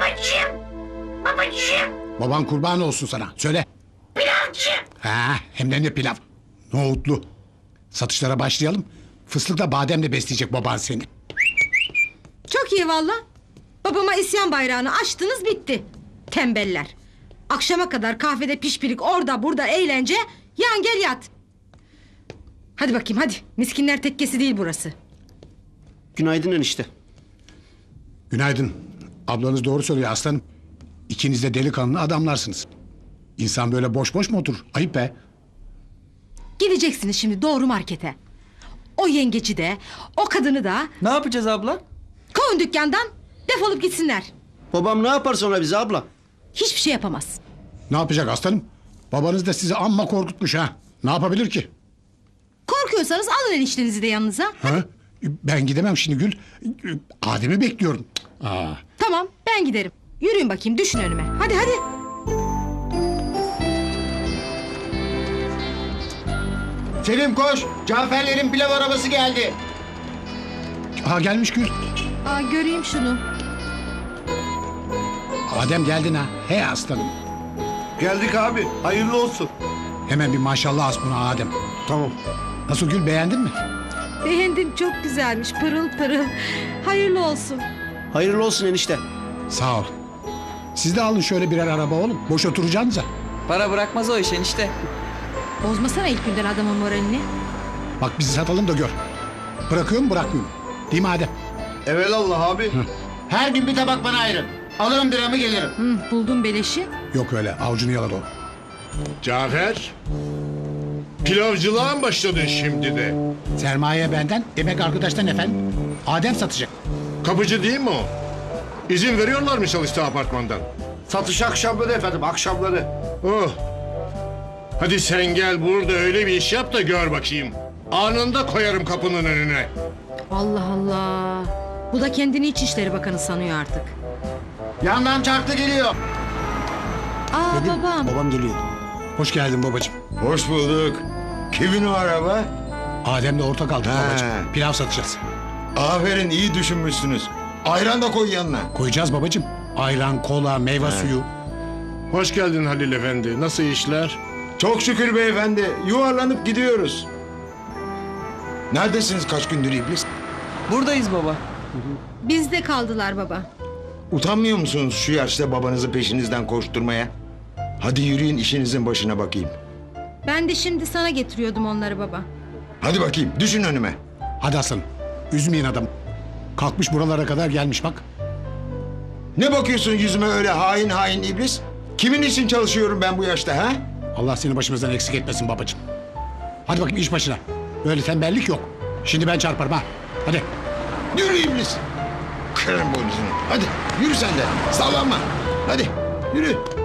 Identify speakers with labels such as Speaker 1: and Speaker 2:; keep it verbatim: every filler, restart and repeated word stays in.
Speaker 1: Babacığım. Babacığım.
Speaker 2: Baban kurban olsun sana. Söyle.
Speaker 1: Pilavcı.
Speaker 2: Ha, hem de ne pilav. Nohutlu. Satışlara başlayalım. Fıstıkla bademle besleyecek baban seni.
Speaker 3: Çok iyi valla. Babama isyan bayrağını açtınız bitti. Tembeller. Akşama kadar kahvede pişpirik orada burada eğlence. Yan gel yat. Hadi bakayım hadi. Miskinler tekkesi değil burası.
Speaker 4: Günaydın enişte.
Speaker 2: Günaydın. Ablanız doğru söylüyor aslanım. İkiniz de delikanlı adamlarsınız. İnsan böyle boş boş mu oturur? Ayıp be.
Speaker 3: Gideceksiniz şimdi doğru markete. O yengeci de o kadını da
Speaker 5: Ne yapacağız abla?
Speaker 3: kovun dükkandan, defolup gitsinler.
Speaker 4: Babam ne yapar sonra bize abla?
Speaker 3: Hiçbir şey yapamaz.
Speaker 2: Ne yapacak aslanım? Babanız da sizi amma korkutmuş ha. Ne yapabilir ki?
Speaker 3: Korkuyorsanız alın eniştenizi de yanınıza.
Speaker 2: Ha? Ben gidemem şimdi Gül. Adem'i bekliyorum. Aa.
Speaker 3: Tamam ben giderim. Yürüyün bakayım düşün önüme. Hadi hadi.
Speaker 6: Selim koş. Caferlerin pilav arabası geldi.
Speaker 2: Aa, gelmiş Gül.
Speaker 3: Aa, göreyim şunu.
Speaker 2: Adem geldin ha. He aslanım.
Speaker 6: Geldik abi. Hayırlı olsun.
Speaker 2: Hemen bir maşallah as buna Adem.
Speaker 6: Tamam.
Speaker 2: Nasıl Gül, beğendin mi?
Speaker 3: Beğendim çok güzelmiş pırıl pırıl. Hayırlı olsun.
Speaker 4: Hayırlı olsun enişte.
Speaker 2: Sağ ol. Siz de alın şöyle birer araba oğlum. Boş oturacağınıza.
Speaker 5: Para bırakmaz o iş enişte.
Speaker 3: Bozmasana ilk günden adamın moralini.
Speaker 2: Bak bizi satalım da gör. Bırakıyor mu bırakmıyor mu? Değil mi Adem?
Speaker 6: Evelallah abi. Her gün bir tabak bana ayırın. Alırım biramı gelirim.
Speaker 3: Hı, buldum beleşi.
Speaker 2: Yok öyle, avucunu yaladı o.
Speaker 7: Cafer, pilavcılığa mı başladın şimdi de?
Speaker 2: Sermaye benden, emek arkadaştan efendim. Adem satacak.
Speaker 7: Kapıcı değil mi o? İzin veriyorlar mı çalıştığı apartmandan?
Speaker 6: Satış akşamları efendim, akşamları.
Speaker 7: Oh. Hadi sen gel burada öyle bir iş yap da gör bakayım. Anında koyarım kapının önüne.
Speaker 3: Allah Allah. Bu da kendini İçişleri Bakanı sanıyor artık.
Speaker 6: Yandan çarklı geliyor.
Speaker 3: Aa babam.
Speaker 4: Babam geliyor.
Speaker 2: Hoş geldin babacığım.
Speaker 8: Hoş bulduk. Kimin o araba?
Speaker 2: Adem'le ortak aldık
Speaker 8: Ha.
Speaker 2: babacığım. Pilav satacağız.
Speaker 8: Aferin, iyi düşünmüşsünüz. Ayran da koy yanına.
Speaker 2: Koyacağız babacığım. Ayran, kola, meyve suyu.
Speaker 7: Hoş geldin Halil Efendi. Nasıl işler?
Speaker 8: Çok şükür beyefendi. Yuvarlanıp gidiyoruz. Neredesiniz kaç gündür iblis?
Speaker 5: Buradayız baba.
Speaker 3: Bizde kaldılar baba.
Speaker 8: Utanmıyor musunuz şu yaşta babanızı peşinizden koşturmaya? Hadi yürüyün işinizin başına bakayım.
Speaker 3: Ben de şimdi sana getiriyordum onları baba.
Speaker 8: Hadi bakayım düşün önüme.
Speaker 2: Hadi aslanım. Üzmeyin adam. Kalkmış buralara kadar gelmiş bak.
Speaker 8: Ne bakıyorsun yüzüme öyle hain hain iblis? Kimin için çalışıyorum ben bu yaşta ha?
Speaker 2: Allah seni başımızdan eksik etmesin babacığım. Hadi bakayım iş başına. Böyle tembellik yok. Şimdi ben çarparım ha. Hadi.
Speaker 8: Yürü iblis. Kırarım boynuzunu. Hadi yürü sen de. Sallanma. Hadi yürü.